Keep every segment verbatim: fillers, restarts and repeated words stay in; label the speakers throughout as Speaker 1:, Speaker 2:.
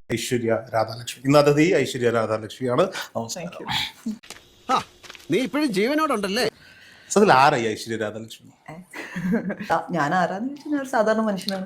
Speaker 1: ഐശ്വര്യ രാധാലക്ഷ്മി. ഇന്ന് അതിഥി ഐശ്വര്യ രാധാലക്ഷ്മിയാണ്.
Speaker 2: നീ ഇപ്പോഴും ജീവനോടുണ്ടല്ലേ?
Speaker 1: അതിൽ ആരായി ഐശ്വര്യ രാധാലക്ഷ്മി?
Speaker 3: ഞാൻ ആരാന്ന് ചോദിച്ചാൽ ഞാൻ ഒരു സാധാരണ മനുഷ്യനാണ്.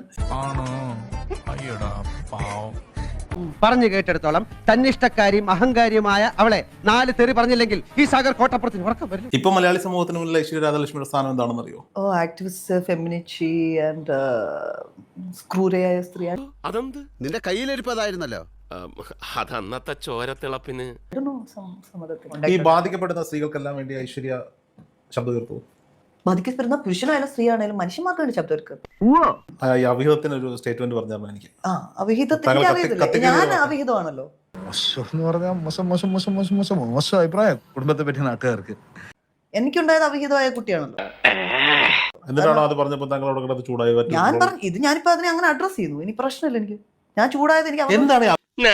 Speaker 2: പറഞ്ഞു കേട്ടെടുത്തോളം തന്നിഷ്ടക്കാരിയും അഹങ്കാരിയുമായ അവളെ നാല് തെറി പറഞ്ഞില്ലെങ്കിൽ ഈ സാഗർ കോട്ടപ്പുറത്തിന് ഉറക്കം വരില്ല.
Speaker 1: ഇപ്പൊ മലയാളി സമൂഹത്തിന് മുന്നിൽ ഐശ്വര്യ രാധാലക്ഷ്മിയുടെ സ്ഥാനം എന്താണെന്ന് അറിയോ?
Speaker 3: ഓ ആക്ടിവിസ്റ്റ്, ഫെമിനിറ്റി ആൻഡ് ക്രൂരയായ സ്ത്രീയാണ്.
Speaker 2: അതെന്ത് നിന്റെ കയ്യിലിരിപ്പതായിരുന്നല്ലോ.
Speaker 4: അതന്നത്തെ ചോരത്തിളപ്പിന്
Speaker 1: ഈ ബാധിക്കപ്പെടുന്ന സ്ത്രീകൾക്കെല്ലാം വേണ്ടി ഐശ്വര്യ ശബ്ദം ഉയർത്തു.
Speaker 3: ബാധിക്കപ്പെടുന്ന പുരുഷനായാലും സ്ത്രീയാണേലും മനുഷ്യന്മാർക്ക് വേണ്ടി ശബ്ദം എടുക്കുന്നത്.
Speaker 1: ഈ അവിഹിതത്തിന് ഒരു സ്റ്റേറ്റ്മെന്റ് പറഞ്ഞാൽ എനിക്ക്
Speaker 3: ആ അവിഹിതത്തിന് അറിയത്തില്ല, ഞാൻ അവിഹിതമാണല്ലോ.
Speaker 5: മോശം എന്ന് പറഞ്ഞാൽ മോശം മോശം മോശം മോശം മോശം മോശം അഭിപ്രായം കുടുംബത്തെ പറ്റി നാട്ടുകാർക്ക്.
Speaker 3: എനിക്കുണ്ടായത് അവിഹിതമായ കുട്ടിയാണല്ലോ.
Speaker 1: എന്നിട്ടാണോ അത് പറഞ്ഞപ്പോൾ താങ്കളോട് കിടന്ന് ചൂടായി?
Speaker 3: ഞാൻ പറഞ്ഞു ഇത് ഞാനിപ്പോ അതിനെ അങ്ങനെ അഡ്രസ് ചെയ്യുന്നു. ഇനി പ്രശ്നമില്ല, എനിക്ക് ഞാൻ ചൂടായത് എനിക്ക്
Speaker 1: എന്താണ്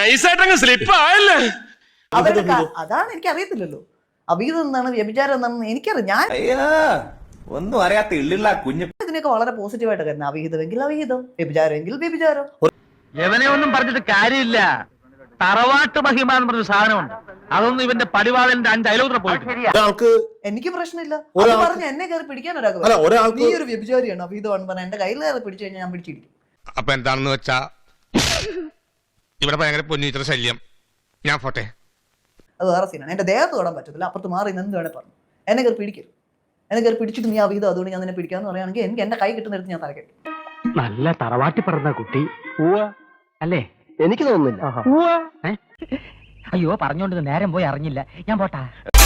Speaker 3: അതാണ് എനിക്ക് അറിയത്തില്ലല്ലോ. അവിഹിതം എന്താണ്, വ്യഭിചാരം എന്താണെന്ന് എനിക്കറിയാം. ഞാൻ
Speaker 6: ഒന്നും അറിയാത്ത ഇള്ളിള്ള കുഞ്ഞു
Speaker 3: ഇതിനൊക്കെ വളരെ പോസിറ്റീവായിട്ട് കരുതുന്നത്. അവിഹിതമെങ്കിൽ അവിഹിതം, വ്യഭിചാരമെങ്കിൽ വ്യഭിചാരം.
Speaker 7: എവനെ ഒന്നും പറഞ്ഞിട്ട് കാര്യമില്ല. തറവാട്ട് മഹിമ എന്ന് പറഞ്ഞ സാധനമുണ്ട്. അതൊന്നും ഇവന്റെ പടിവാളന്റെ അഞ്ച് അയലോത്ര പോയിട്ട്
Speaker 3: എനിക്ക് പ്രശ്നമില്ല. അത് പറഞ്ഞ് എന്നെ കയറി പിടിക്കാൻ ഒരാൾക്ക് നീ ഒരു വ്യഭിചാരിയാണ് അവിഹിതമാണ് പറഞ്ഞ എന്റെ കയ്യിൽ കയറി പിടിച്ചു കഴിഞ്ഞാൽ ഞാൻ പിടിച്ചിരിക്കും.
Speaker 4: അപ്പൊ എന്താണെന്ന് വെച്ചാ ഇവിടെ ഭയങ്കര പൊന്നിച്ചിട്ട് ശല്യം. ഞാൻ പോട്ടെ.
Speaker 3: അത് വേറെ സീനാണ്. എന്റെ ദേഹത്ത് തൊടാൻ പറ്റത്തില്ല. അപ്പുറത്ത് മാറി എന്ത് വേണേ പറഞ്ഞു എന്നെ കയറി പിടിക്കരുത്. എന്നെ കയറി പിടിച്ചിട്ട് നീ അവിഹിതം അതുകൊണ്ട് ഞാൻ നിന്നെ പിടിക്കാന്ന് പറയുകയാണെങ്കിൽ എനിക്ക് എന്റെ കൈ കിട്ടുന്നിടത്ത് ഞാൻ തലക്കെട്ടും.
Speaker 7: നല്ല തറവാട്ടി പറഞ്ഞ കുട്ടി അല്ലേ?
Speaker 2: എനിക്ക് തോന്നുന്നില്ല.
Speaker 7: അയ്യോ പറഞ്ഞോണ്ട് നേരം പോയി അറിഞ്ഞില്ല. ഞാൻ പോട്ടാ.